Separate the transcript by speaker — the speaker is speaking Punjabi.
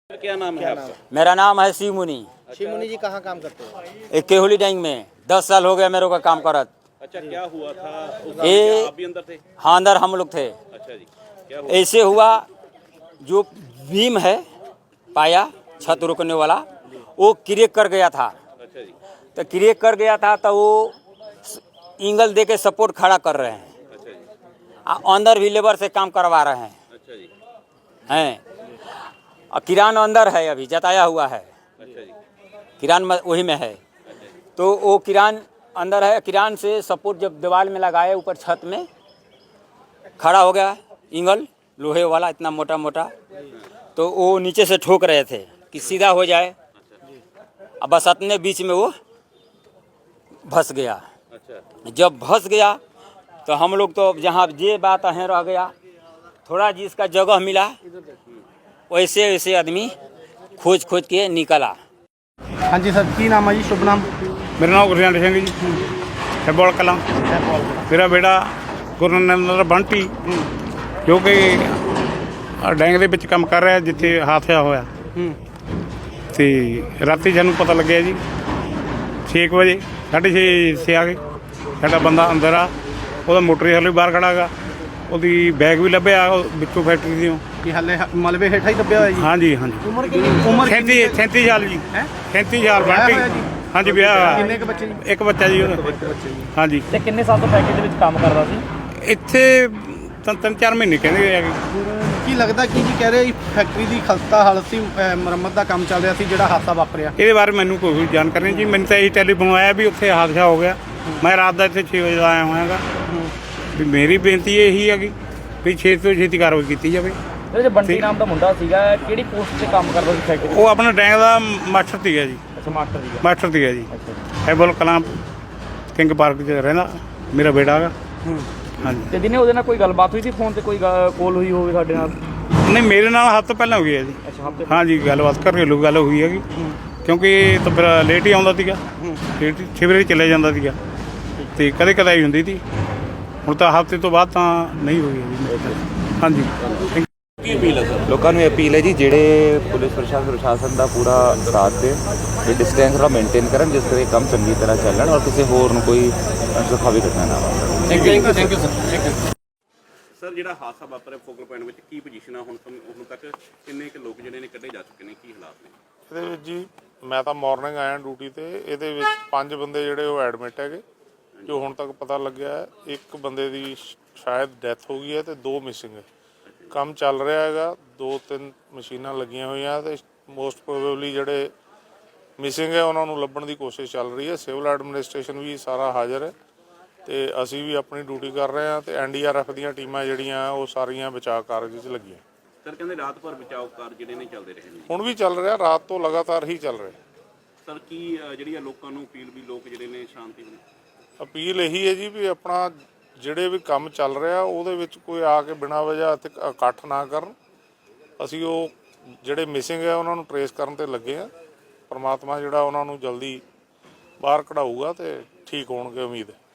Speaker 1: क्या नाम है आपका?
Speaker 2: मेरा नाम है शिव मुनि।
Speaker 1: शिव मुनि जी कहाँ काम करते हो?
Speaker 2: एक केहुली टैंक में 10 साल हो गया मेरे को काम करत।
Speaker 1: अच्छा, क्या हुआ था उस
Speaker 2: ये
Speaker 1: क्या आप भी अंदर थे?
Speaker 2: हाँ, अंदर हम लोग थे।
Speaker 1: अच्छा जी, क्या हुआ?
Speaker 2: ऐसे हुआ, जो बीम है पाया छत रोकने वाला, वो क्रेक कर गया था।
Speaker 1: अच्छा जी,
Speaker 2: तो क्रेक कर गया था तो वो एंगल दे के सपोर्ट खड़ा कर रहे हैं।
Speaker 1: अच्छा जी,
Speaker 2: अंदर भी लेबर से काम करवा रहे हैं
Speaker 1: अच्छा जी,
Speaker 2: और किरान अंदर है, अभी जताया हुआ है।
Speaker 1: अच्छा जी,
Speaker 2: किरान वही में है। तो वो किरान अंदर है। किरान से सपोर्ट जब दीवार में लगाए, ऊपर छत में खड़ा हो गया एंगल लोहे वाला, इतना मोटा मोटा। तो वो नीचे से ठोक रहे थे कि सीधा हो जाए, अब बस अपने बीच में वो फंस गया।
Speaker 1: अच्छा,
Speaker 2: जब फंस गया तो हम लोग तो जहाँ ये बात है रह गया, थोड़ा जिसका जगह मिला वैसे वैसे आदमी खोज खोज के निकला।
Speaker 3: हाँ जी सर, की नाम है जी? शुभ नाम?
Speaker 4: मेरा नाम गुरजंट सिंह जी, हैबोल कलां। मेरा बेटा ਗੁਰਨੰਦਰ ਬੰਟੀ ਜੋ ਕਿ ਡੈਂਗ ਦੇ ਵਿੱਚ ਕੰਮ ਕਰ ਰਿਹਾ ਜਿੱਥੇ ਹਾਦਸਾ ਹੋਇਆ। ਤੇ ਰਾਤੀ ਸਾਨੂੰ ਪਤਾ ਲੱਗਿਆ ਜੀ 6 ਵਜੇ, 6:30 ਆ ਗਏ। ਸਾਡਾ ਬੰਦਾ ਅੰਦਰ ਆ, ਉਹਦਾ ਮੋਟਰ ਹਾਲੇ ਬਾਹਰ ਖੜਾ ਗਾ, ਉਹਦੀ ਬੈਗ ਵੀ ਲੱਭਿਆ ਵਿੱਚੋਂ ਫੈਕਟਰੀ ਦੀ।
Speaker 3: ਕੀ ਹਾਲੇ ਮਲਬੇ ਹੇਠਾਂ ਹੀ ਦੱਬਿਆ ਹੋਇਆ ਜੀ?
Speaker 4: ਹਾਂਜੀ ਹਾਂਜੀ।
Speaker 3: ਉਮਰ ਕਿੰਨੀ? ਉਮਰ
Speaker 4: 37 ਸਾਲ ਜੀ। 37 ਸਾਲ
Speaker 3: ਵਿਆਹ ਹੋਇਆ
Speaker 4: ਬੰਟੀ।
Speaker 3: ਜੀ?
Speaker 4: ਹਾਂਜੀ ਵਿਆਹ।
Speaker 3: ਕਿੰਨੇ ਕੁ ਬੱਚੇ ਜੀ?
Speaker 4: ਇੱਕ ਬੱਚਾ ਜੀ ਉਹਦਾ। ਹਾਂਜੀ।
Speaker 5: ਤੇ ਕਿੰਨੇ ਸਾਲ ਤੋਂ ਫੈਕਟਰੀ ਦੇ ਵਿੱਚ ਕੰਮ ਕਰਦਾ ਸੀ?
Speaker 4: ਇੱਥੇ ਤਿੰਨ 4 ਮਹੀਨੇ ਕਹਿੰਦੇ ਆ।
Speaker 3: ਕੀ ਲੱਗਦਾ ਕੀ ਜੀ ਕਹਿ ਰਹੇ ਜੀ ਫੈਕਟਰੀ ਦੀ ਖਸਤਾ ਹਾਲਤ ਸੀ, ਮੁਰੰਮਤ ਦਾ ਕੰਮ ਚੱਲ ਰਿਹਾ ਸੀ ਜਿਹੜਾ ਹਾਦਸਾ ਵਾਪਰਿਆ?
Speaker 4: ਇਹਦੇ ਬਾਰੇ ਮੈਨੂੰ ਕੋਈ ਜਾਣਕਾਰੀ ਨਹੀਂ ਜੀ। ਮੈਨੂੰ ਤਾਂ ਇਹ ਟੈਲੀਫੋਨ ਆਇਆ ਵੀ ਉੱਥੇ ਹਾਦਸਾ ਹੋ ਗਿਆ। ਮੈਂ ਰਾਤ ਦਾ ਇੱਥੇ 6 ਵਜੇ ਦਾ ਆਇਆ ਹੋਇਆਗਾ। ਵੀ ਮੇਰੀ ਬੇਨਤੀ ਇਹੀ ਹੈਗੀ ਵੀ ਛੇਤੀ ਤੋਂ ਛੇਤੀ ਕਾਰਵਾਈ ਕੀਤੀ ਜਾਵੇ।
Speaker 5: ਜਿਹੜੇ ਬੰਟੀ ਨਾਮ ਦਾ ਮੁੰਡਾ ਸੀਗਾ, ਕਿਹੜੀ ਪੋਸਟ ਤੇ ਕੰਮ ਕਰਦਾ ਸੀ ਫੈਕਟਰੀ?
Speaker 4: ਉਹ ਆਪਣਾ ਡੈਂਗ ਦਾ ਮਾਸਟਰ ਸੀਗਾ ਜੀ।
Speaker 5: ਅੱਛਾ, ਮਾਸਟਰ ਸੀਗਾ।
Speaker 4: ਮਾਸਟਰ ਸੀਗਾ ਜੀ।
Speaker 5: ਅੱਛਾ।
Speaker 4: ਹੈਬਲ ਕਲਾਂ ਕਿੰਗ ਪਾਰਕ 'ਚ ਰਹਿੰਦਾ ਮੇਰਾ ਬੇਟਾ ਹੈਗਾ। ਹਾਂਜੀ।
Speaker 5: ਤੇ ਦਿਨੇ ਉਹਦੇ ਨਾਲ ਕੋਈ ਗੱਲਬਾਤ ਹੋਈ ਸੀ ਫੋਨ ਤੇ, ਕੋਈ ਕੋਲ ਹੋਈ ਹੋਵੇ ਸਾਡੇ ਨਾਲ?
Speaker 4: ਨਹੀਂ, ਮੇਰੇ ਨਾਲ ਹਫ਼ਤਾ ਪਹਿਲਾਂ ਹੋ ਗਿਆ ਜੀ।
Speaker 5: ਅੱਛਾ, ਹਫ਼ਤੇ?
Speaker 4: ਹਾਂਜੀ, ਗੱਲਬਾਤ ਘਰੇਲੂ ਗੱਲ ਹੋਈ ਹੈਗੀ। ਕਿਉਂਕਿ ਇਹ ਤਾਂ ਫਿਰ ਲੇਟ ਹੀ ਆਉਂਦਾ ਸੀਗਾ, ਲੇਟ 6 ਵਜੇ ਚਲੇ ਜਾਂਦਾ ਸੀਗਾ ਅਤੇ ਕਦੇ ਕਦਾਈ ਹੁੰਦੀ ਸੀ। ਹੁਣ ਤਾਂ ਹਫ਼ਤੇ ਤੋਂ ਬਾਅਦ ਤਾਂ ਨਹੀਂ ਹੋਈ ਜੀ। ਹਾਂਜੀ।
Speaker 1: ਕੀ ਅਪੀਲ ਹੈ ਸਰ?
Speaker 6: ਲੋਕਾਂ ਨੂੰ ਇਹ ਅਪੀਲ ਹੈ ਜੀ, ਜਿਹੜੇ ਪੁਲਿਸ ਪ੍ਰਸ਼ਾਸਨ ਦਾ ਪੂਰਾ ਸਾਥ ਦੇਣ, ਤੇ ਡਿਸਟੈਂਸ ਥੋੜ੍ਹਾ ਮੇਨਟੇਨ ਕਰਨ, ਜਿਸ ਕਰਕੇ ਕੰਮ ਚੰਗੀ ਤਰ੍ਹਾਂ ਚੱਲਣ ਔਰ ਕਿਸੇ ਹੋਰ ਨੂੰ ਕੋਈ ਅਣਸੁਖਾਵੀ ਘਟਨਾ ਨਾ ਵਾਪਰੇ।
Speaker 1: Thank you sir. ਸਰ, ਜਿਹੜਾ ਹਾਦਸਾ ਵਾਪਰਿਆ ਫੋਕਲ ਪੁਆਇੰਟ ਵਿੱਚ ਕੀ ਪੋਜੀਸ਼ਨ ਆ ਹੁਣ ਤੱਕ? ਕਿੰਨੇ ਕੁ ਲੋਕ ਜਿਹੜੇ ਨੇ ਕੱਢੇ ਜਾ ਚੁੱਕੇ ਨੇ, ਕੀ ਹਾਲਾਤ ਨੇ?
Speaker 7: ਇਹਦੇ ਵਿੱਚ ਜੀ ਮੈਂ ਤਾਂ ਮਾਰਨਿੰਗ ਆਇਆ ਡਿਊਟੀ ਤੇ। ਇਹਦੇ ਵਿੱਚ 5 ਬੰਦੇ ਜਿਹੜੇ ਉਹ ਐਡਮਿਟ ਹੈਗੇ, ਜੋ ਹੁਣ ਤੱਕ ਪਤਾ ਲੱਗਿਆ ਹੈ। ਇੱਕ ਬੰਦੇ ਦੀ ਸ਼ਾਇਦ ਡੈਥ ਹੋ ਗਈ ਹੈ ਤੇ 2 ਮਿਸਿੰਗ ਹੈ। ਕੰਮ ਚੱਲ ਰਿਹਾ ਹੈਗਾ, 2-3 ਮਸ਼ੀਨਾਂ ਲੱਗੀਆਂ ਹੋਈਆਂ ਤੇ ਮੋਸਟ ਪ੍ਰੋਬੇਬਲੀ ਜਿਹੜੇ ਮਿਸਿੰਗ ਹੈ ਉਹਨਾਂ ਨੂੰ ਲੱਭਣ ਦੀ ਕੋਸ਼ਿਸ਼ ਚੱਲ ਰਹੀ ਹੈ। ਸਿਵਲ ਐਡਮਿਨਿਸਟ੍ਰੇਸ਼ਨ ਵੀ ਸਾਰਾ ਹਾਜ਼ਰ ਹੈ ਤੇ ਅਸੀਂ ਵੀ ਆਪਣੀ ਡਿਊਟੀ ਕਰ ਰਹੇ ਹਾਂ ਤੇ NDRF ਦੀਆਂ ਟੀਮਾਂ ਜਿਹੜੀਆਂ ਉਹ ਸਾਰੀਆਂ ਬਚਾਅ ਕਾਰਜ 'ਚ ਲੱਗੀਆਂ।
Speaker 1: ਸਰ, ਕਹਿੰਦੇ ਰਾਤ ਭਰ ਬਚਾਓ ਕਾਰਜ ਜਿਹੜੇ ਨੇ ਚੱਲਦੇ ਰਹੇ ਨੇ।
Speaker 7: ਹੁਣ ਵੀ ਚੱਲ ਰਿਹਾ, ਰਾਤ ਤੋਂ ਲਗਾਤਾਰ ਹੀ ਚੱਲ ਰਿਹਾ।
Speaker 1: ਸਰ, ਕੀ ਜਿਹੜੀ ਆ ਲੋਕਾਂ ਨੂੰ ਅਪੀਲ ਵੀ ਲੋਕ ਜਿਹੜੇ ਨੇ ਸ਼ਾਂਤੀ ਬਣੇ?
Speaker 7: ਅਪੀਲ ਇਹੀ ਹੈ ਜੀ ਵੀ ਆਪਣਾ ਜਿਹੜੇ ਵੀ ਕੰਮ ਚੱਲ ਰਿਹਾ ਉਹਦੇ ਵਿੱਚ ਕੋਈ ਆ ਕੇ ਬਿਨਾਂ ਵਜ੍ਹਾ ਇੱਥੇ ਇਕੱਠ ਨਾ ਕਰਨ। ਅਸੀਂ ਉਹ ਜਿਹੜੇ ਮਿਸਿੰਗ ਹੈ ਉਹਨਾਂ ਨੂੰ ਟਰੇਸ ਕਰਨ ਤੇ ਲੱਗੇ ਆ। ਪਰਮਾਤਮਾ ਜਿਹੜਾ ਉਹਨਾਂ ਨੂੰ ਜਲਦੀ ਬਾਹਰ ਕਢਾਊਗਾ ਤੇ ਠੀਕ ਹੋਣਗੇ, ਉਮੀਦ ਹੈ।